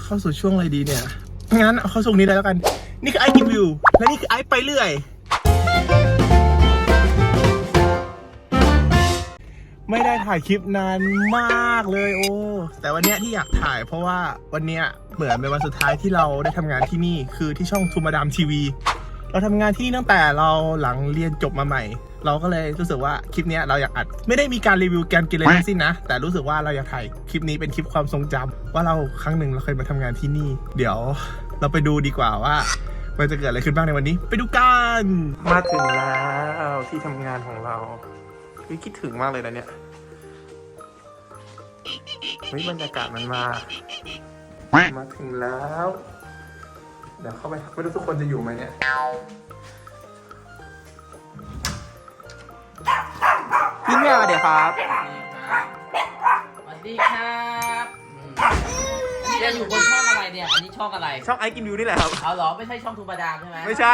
เข้าสู่ช่วงอะไรดีเนี่ยงั้นเอาเข้าช่วงนี้เลยแล้วกันนี่คือไอกินวิวและนี่คือไอไปเรื่อยไม่ได้ถ่ายคลิปนานมากเลยโอ้แต่วันเนี้ยที่อยากถ่ายเพราะว่าวันเนี้ยเหมือนเป็นวันสุดท้ายที่เราได้ทำงานที่นี่คือที่ช่องทูมาดามทีวีเราทำงานที่นี่ตั้งแต่เราหลังเรียนจบมาใหม่เราก็เลยรู้สึกว่าคลิปนี้เราอยากอัดไม่ได้มีการรีวิวการกินเลยทั้งสิ้นนะแต่รู้สึกว่าเราอยากถ่ายคลิปนี้เป็นคลิปความทรงจำว่าเราครั้งหนึ่งเราเคยมาทำงานที่นี่เดี๋ยวเราไปดูดีกว่าว่ามันจะเกิดอะไรขึ้นบ้างในวันนี้ไปดูกันมาถึงแล้วที่ทำงานของเราคิดถึงมากเลยนะเนี่ยบรรยากาศมันมาถึงแล้วเดี๋ยวเข้าไปไม่รู้ทุกคนจะอยู่ไหมเนี่ยพี่แม่มาเดี๋ยวครับสวัสดีครับจะอยู่บนช่องอะไรเนี่ย อันนี้ช่องอะไรช่องไอกินวิวนี่แหละครับเอาเหรอไม่ใช่ช่องทูบาดามใช่ไหมไม่ใช่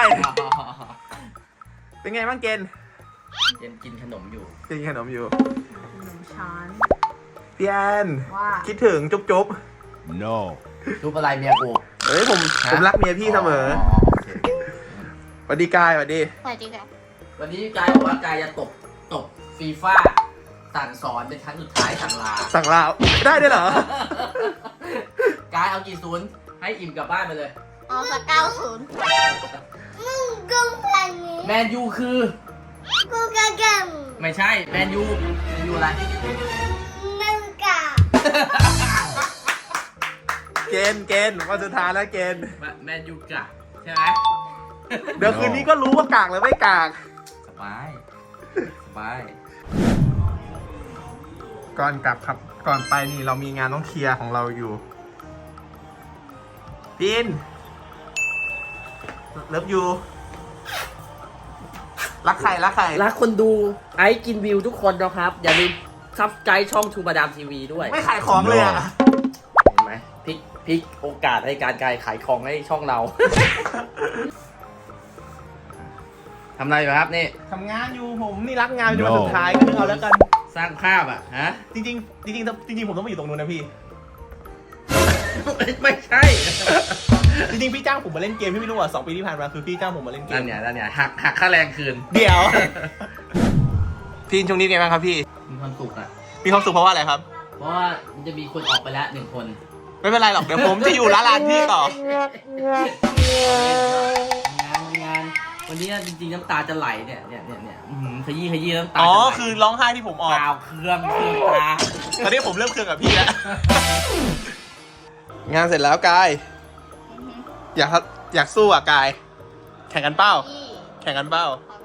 เป็นไงบ้างเกณฑ์กินขนมอยู่กินขนมอยู่ขนมช้อนพี่แอนว่าคิดถึงจุ๊บ no ทูบอะไรเมียกูเฮ้ยผมรักเมียพี่เสมอสวัสดีกายสวัสดีสวัสดีค่ะวันนี้กายบอกว่ากายจะตบฟีฟ่าสั่งสอนเป็นครั้งสุดท้ายสั่งลาได้ด้วยเหรอกายเอากี่ศูนย์ให้อิ่มกลับบ้านไปเลยเอาสัก90มึงกูแค่นี้แมนยูคือกูกะกังไม่ใช่แมนยูอะไรมึงกะเกณฑ์วันสุดท้ายแล้วเกณฑ์แมนยูกะใช่ไหมเดี๋ยวคืนนี้ก็รู้ว่ากากหรือไม่กากสบายก่อนกลับครับก่อนไปนี่เรามีงานต้องเคลียร์ของเราอยู่ดินเลิฟยูรักใครรักคนดูไอกินวิวทุกคนนะครับอย่าลืมซับสไครต์ช่องทูบาดามทีวีด้วยไม่ขายของเลยอ่ะเห็นไหมพลิกโอกาสในการขายของให้ช่องเรา ทำอะไรอยู่ครับนี่ทำงานอยู่ผมนี่รักงานอยู่วันสุดท้ายก็นึกเอาแล้วกันสร้างภาพอ่ะฮะจริงผมต้องมาอยู่ตรงนู้นนะพี่ไม่ใช่จริงพี่จ้างผมมาเล่นเกมพี่ไม่รู้อ่ะ2 ปีที่ผ่านมาคือพี่จ้างผมมาเล่นเกมนั่นเนี่ยหักค่าแรงคืนเดี๋ยว พี่ช่วงนี้ไงบ้างครับพี่มีความสุขอ่ะมีความสุขเพราะว่าอะไรครับเพราะว่ามันจะมีคนออกไปแล้ว1 คนไม่เป็นไรหรอกเดี๋ยวผมจะอยู่ร้านพี่ต่องานวันนี้จริงๆน้ำตาจะไหลเนี่ยขยี้น้ำตาคือร้องไห้ที่ผมออกเปล่าเครื่องตาตอนนี้ผมเริ่มเครื่องกับพี่แล้วงานเสร็จแล้วกายอยากสู้อ่ะกายแข่งกันเป้าเล่นของ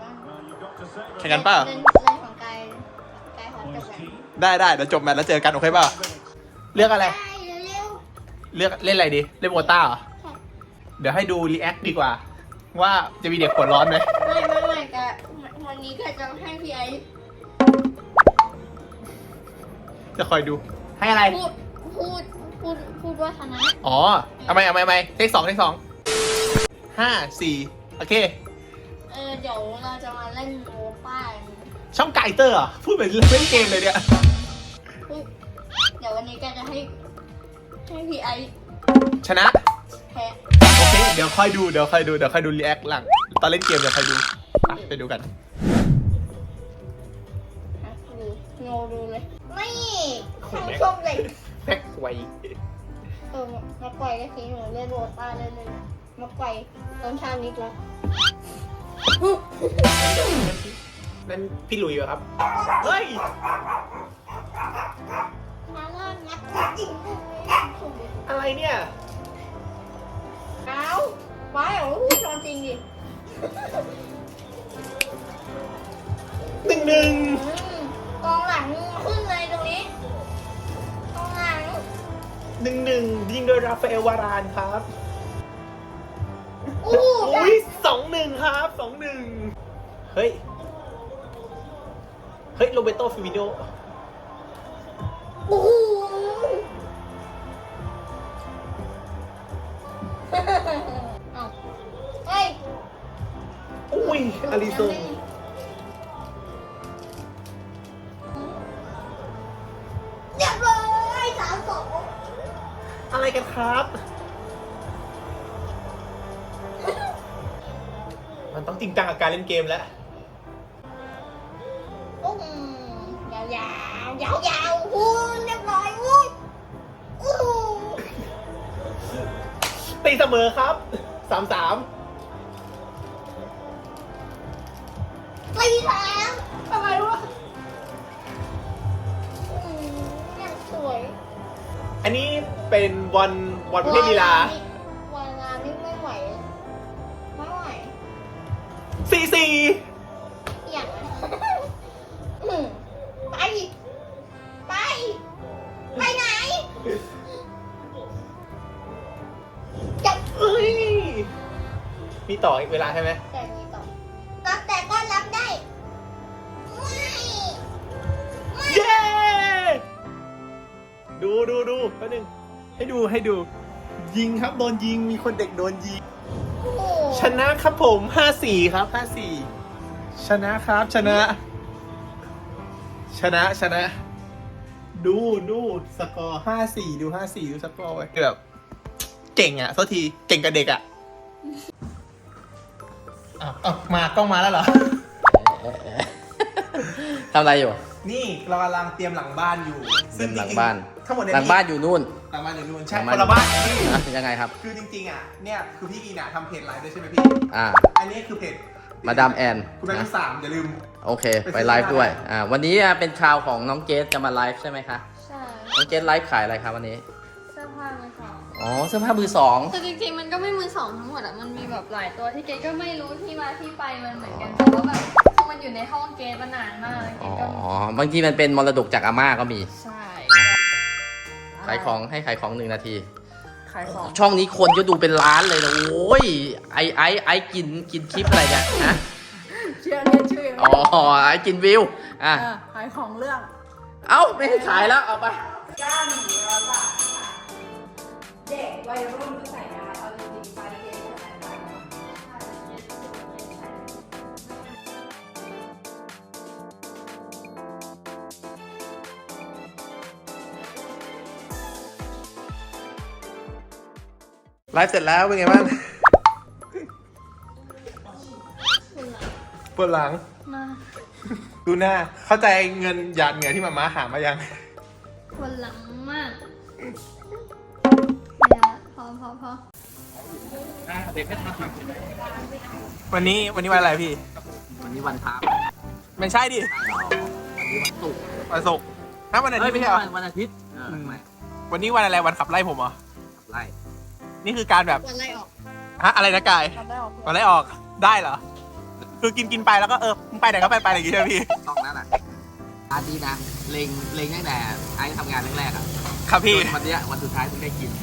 กายพร้อมจบได้เดี๋ยวจบแมตช์แล้วเจอกันโอเคเปล่าเลือกอะไรเลือกเล่นอะไรดีเล่นโบต้าเหรอเดี๋ยวให้ดูรีแอคดีกว่าว่าจะมีเด็กหัวร้อนไหมไม่กะวันนี้กะจะให้พี่ไอจะคอยดูให้อะไรพูดว่าชนะอ๋อทำไมเทค 2 5 4โอเคเดี๋ยวเราจะมาเล่นโมป้าช่องไก่เตอร์พูดเหมือนเล่นเกมเลยเนี่ยเดี๋ยววันนี้กะจะให้พี่ไอชนะแพ้โอเคเดี๋ยวค่อยดูรีแอคหลังตอนเล่นเกมเดี๋ยวค่อยดูไปดูกันดูเลยไม่ทั้งชมเลยแพ็กไวมาไกวก็ทีหนูเล่นโรต้าเล่นเลยมาไกวต้นชานิดแล้วนั่นพี่หลุยเหรอครับเฮ้ยมาล่างัดจริงอะไรเนี่ยเอาไว้เหรอพูดตอนจริงดิ 1-1 กองหลังขึ้นเลยตรงนี้กองหลัง 1-1ยิงโดยราฟาเอลวารานครับอุ้ย 2-1ครับ2-1เฮ้ยโรเบโตฟิมิโนโอ้โหเฮ้ยอุ้ยอาริโซเรียบร้อย3-2 อะไรกันครับมันต้องจริงจังกับการเล่นเกมแล้วอุ้มยาวยาวยาวยาวๆอู้เรียบร้อยอู้อู้ตีเสมอครับ 3-3 ตีแถมทำไมวะอย่างสวยอันนี้เป็นบอลประเภทลีลาวันงานนี่ไม่ไหวไม่ไหว 4-4 อย่างนั้นไปไปไปไหนจับเอ้ยมีต่ออีกเวลาใช่ไหมแต่นี้ต่อรับแต่ก็รับได้ไม่เย้ ดูแป๊บนึงให้ดู ยิงครับโดนยิง มีคนเด็กโดนยิงโอ้โหชนะครับผม 5-4 ครับ 5-4 ชนะครับ ชนะ ดูสกอร์ 5-4 ดู 5-4 ดูสกอร์ไว้แบบเก่งอ่ะโทษที เก่งกับเด็กอ่ะมากล้องมาแล้วเหรอทำอะไรอยู่นี่เรากำลังเตรียมหลังบ้านอยู่เตรียมหลังบ้านทั้งหมดหลังบ้านอยู่นู่นหลังบ้านอยู่นู่นใช่หลังคนละบ้านนี่อ่ะยังไงครับคือจริงๆอ่ะเนี่ยคือพี่อีน่ะทำเพจไลฟ์ด้วยใช่ไหมพี่อ่าอันนี้คือเพจมาดามแอนคุณแม่ลูกสามอย่าลืมโอเค ไปไลฟ์ด้วย วันนี้เป็นข่าวของน้องเกสจะมาไลฟ์ใช่ไหมคะใช่น้องเกสไลฟ์ขายอะไรครับวันนี้เสื้อผ้ามือสองอ๋อ เสื้อผ้ามือสองแต่จริงๆ มันก็ไม่มือสองทั้งหมดอะมันมีแบบหลายตัวที่เกดก็ไม่รู้ที่มาที่ไปมันเหมือนกัน แต่ว่าแบบคือมันอยู่ในห้องเกดมานานมากเลยเกอ๋อดก็บางทีมันเป็นมรดกจากอาม่าก็มีใช่ขายของให้ขายของ1 นาทีขายของช่องนี้คนก็ดูเป็นล้านเลยนะ โอ้ย ไอกินคลิปอะไรเนี่ยฮะเชื่อเรียนชื่อยังไงอ๋อ ไอกินวิว อ่ะขายของเรื่องเอ้า ไม่ให้ขายแล้ว เอาไป 9,100 บาทค่ะเด็กวัยรุ่นก็ใส่ได้เอาจริงๆไปเด็กก็ใส่ได้ไลฟ์เสร็จแล้วเป็นไงบ้างปวดหลังมาดูหน้า เข้าใจเงินหยาดเหงื่อที่มาม่าหามายังปวดหลังมากเนี่ยพอวันนี้วันอะไรพี่วันนี้วันพระไม่ใช่ดิวันนี้วันศุกร์วันศุกร์ถ้าวันอาทิตย์ไม่ใช่เหรอวันอาทิตย์ไม่วันนี้วันอะไรวันขับไล่ผมเหรอไล่นี่คือการแบบวันไล่ออกฮะอะไรนะกายวันไล่ออกวันไล่ออกได้เหรอ คือกินไปแล้วก็มึงไปไหนก็ไปอะไรอย่างงี้ใช่ไหมพี่ต้องนั้นอ่ะอาทิตย์นะเล็งตั้งแต่ไอ้ทำงานแรกๆอ่ะครับพี่จนวันเนี้ยวันสุดท้ายเพิ่งได้กิน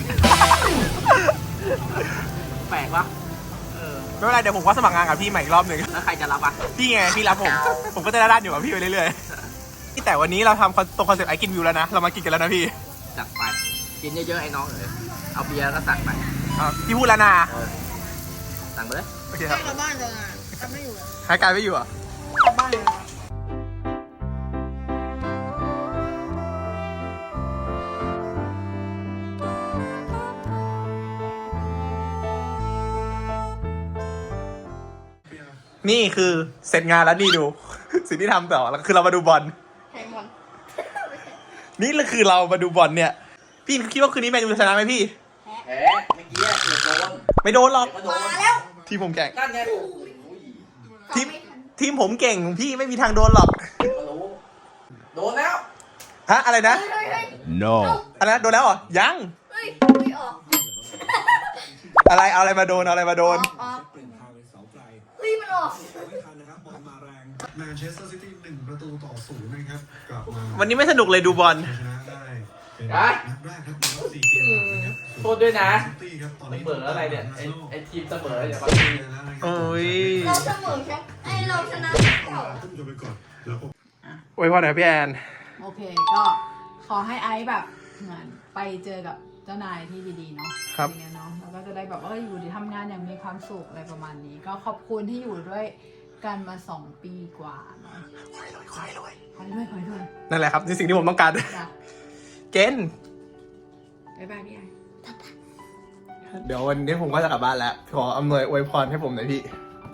แปลกปะไม่เป็นไรเดี๋ยวผมก็สมัครงานกับพี่ใหม่อีกรอบหนึ่งแล้วใครจะรับอ่ะพี่ไงพี่รับผมก็จะได้ด้านอยู่กับพี่ไปเรื่อยๆแต่วันนี้เราทำตรงคอนเซ็ปต์ไอกินวิวแล้วนะเรามากินกันแล้วนะพี่จัดไปกินเยอะๆไอ้น้องเอ๋ยเอาเบียร์ก็สั่งไปพี่พูดแล้วนะสั่งไปเลยโอเคครับกลับบ้านเลยอ่ะกลับไม่อยู่อ่ะหายกายไม่อยู่เหรอ่ะกลับบ้านเลยนี่คือเสร็จงานแล้วนี่ดู สิ่งที่ทำต่อแล้วคือเรามาดูบอลแข่งบอลนี่คือเรามาดูบอลเนี่ย พี่คิดว่าคืนนี้แมนยูจะชนะไหมพี่แหมเมื่อกี้เกือบโดนไม่โดนหรอกก็โดนมาแล้วทีมผมแข่งนั่นไงทีมผมเก่งพี่ไม่มีทางโดนหรอกก็รู้โดนแล้วฮะอะไรนะเฮ้ย No. อะไรนะโดนแล้วเหรอยังเฮ้ยไม่ออกอะไรเอาอะไรมาโดนเอาอะไรมาโดนออกเฮ้ยมันออกแมนเชสเตอร์ซิตี้1-0 นะครับกลับมาวันนี้ไม่สนุกเลยดูบอลชนะได้เป็นอ่ะนัดแรกครับในรอบ4 เกมหลังนะครับโทษด้วยนะซิตี้ครับตอนมันนี้เบอร์อะไรเนี่ยไอ้ทีมเสมออย่ามาทีแล้วนะครับโอ้ยเราเสมอใช่ไอเราชนะเก่าขึ้นจนไปก่อนแล้วก็อวยพรหน่อยพี่แอนโอเค ก็ขอให้ไอซ์แบบเหมือนไปเจอกับเจ้านายที่ดีๆเนาะครับอย่างเงี้ยเนาะแล้วก็จะได้แบบว่าอยู่ที่ทำงานอย่างมีความสุขอะไรประมาณนี้ ก็ขอบคุณที่อยู่ด้วยกันมา2 ปีกว่าเนาะขอให้รวยนั่นแหละครับนี่สิ่งที่ผมต้องการจ้ะเกณฑ์บ๊ายบายพี่ไอซ์เดี๋ยววันนี้ผมก็จะกลับบ้านแล้ว ขออำนวยอวยพรให้ผมหน่อยพี่ก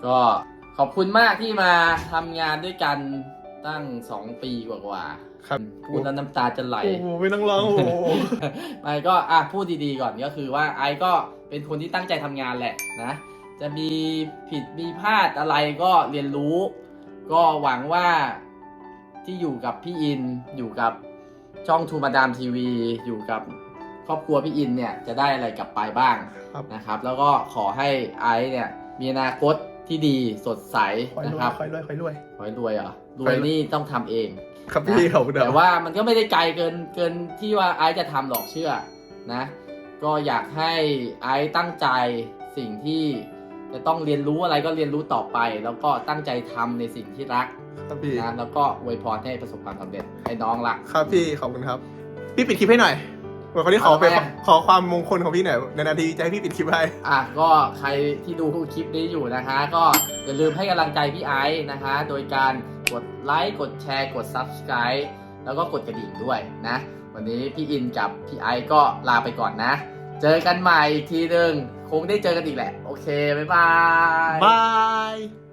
ก็ขอบคุณมากที่มาทำงานด้วยกันตั้ง2 ปีกว่าๆครับพูดแล้วน้ำตาจะไหลโอ้โหไม่ต้องร้องโอ้โหไม่ก็พูดดีๆก่อนก็คือว่าไอซ์ก็เป็นคนที่ตั้งใจทำงานแหละนะ จะมีผิดมีพลาดอะไรก็เรียนรู้ ก็หวังว่าที่อยู่กับพี่อินอยู่กับช่องทูมาดามทีวีอยู่กับครอบครัวพี่อินเนี่ยจะได้อะไรกลับไปบ้างครับนะครับ แล้วก็ขอให้ไอซ์เนี่ยมีอนาคตที่ดีสดใสคอยนะรวคยรับคอยรวยคอยรวยขอให้รวยเหรอรขอวยให้รวยนี่ต้องทำเองครับพี่เขาแต่ว่ามันก็ไม่ได้ไกลเกินที่ว่าไอซ์จะทำหรอกเชื่อนะ ก็อยากให้ไอซ์ตั้งใจสิ่งที่จะต้องเรียนรู้อะไรก็เรียนรู้ต่อไป แล้วก็ตั้งใจทำในสิ่งที่รักครับพี่นะแล้วก็อวยพรให้ประสบความสำเร็จให้น้องรักครับพี่ขอบคุณครับ พี่ปิดคลิปให้หน่อยวันนี้ขอเอาไปไหมขอความมงคลของพี่หน่อยนาทีจะให้พี่ปิดคลิปให้ก็ใครที่ดูคลิปนี้อยู่นะคะ ก็อย่าลืมให้กำลังใจพี่ไอซ์นะคะ โดยการกดไลค์กดแชร์กด Subscribe แล้วก็กดกระดิ่งด้วยนะ วันนี้พี่อินกับพี่ไอซ์ก็ลาไปก่อนนะ เจอกันใหม่อีกทีนึงคงได้เจอกันอีกแหละ โอเค บ๊ายบายบาย